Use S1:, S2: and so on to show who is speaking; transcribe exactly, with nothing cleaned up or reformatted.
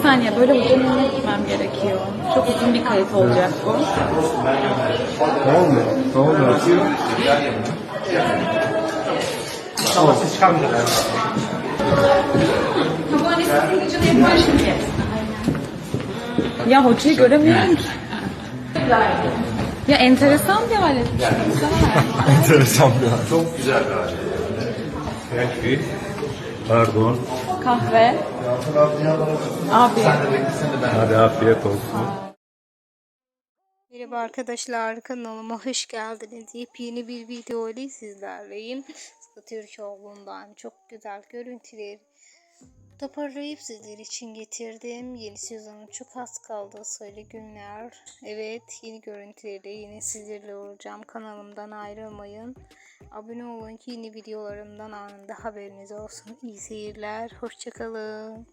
S1: saniye, böyle ucunu gitmem gerekiyor. Çok uzun bir kayıt olacak bu.
S2: Ne oldu? Ne oldu?
S3: Ama siz çıkarmayacak.
S1: Ya hocayı göremiyorum ki. Ya enteresan bir alet.
S2: Enteresan bir an.
S3: Çok güzel bir alet.
S2: Belki. Pardon.
S1: Kahve. Abi.
S2: Hadi afiyet olsun.
S4: Merhaba arkadaşlar, kanalıma hoş geldiniz. Yepyeni bir video ile sizlerleyim. Türkoğlu'ndan çok güzel görüntüler toparlayıp sizler için getirdim. Yeni sezonun çok az kaldı, sayılı günler. Evet, yeni görüntülerle yine sizlerle olacağım. Kanalımdan ayrılmayın. Abone olun ki yeni videolarımdan anında haberiniz olsun. İyi seyirler, hoşçakalın.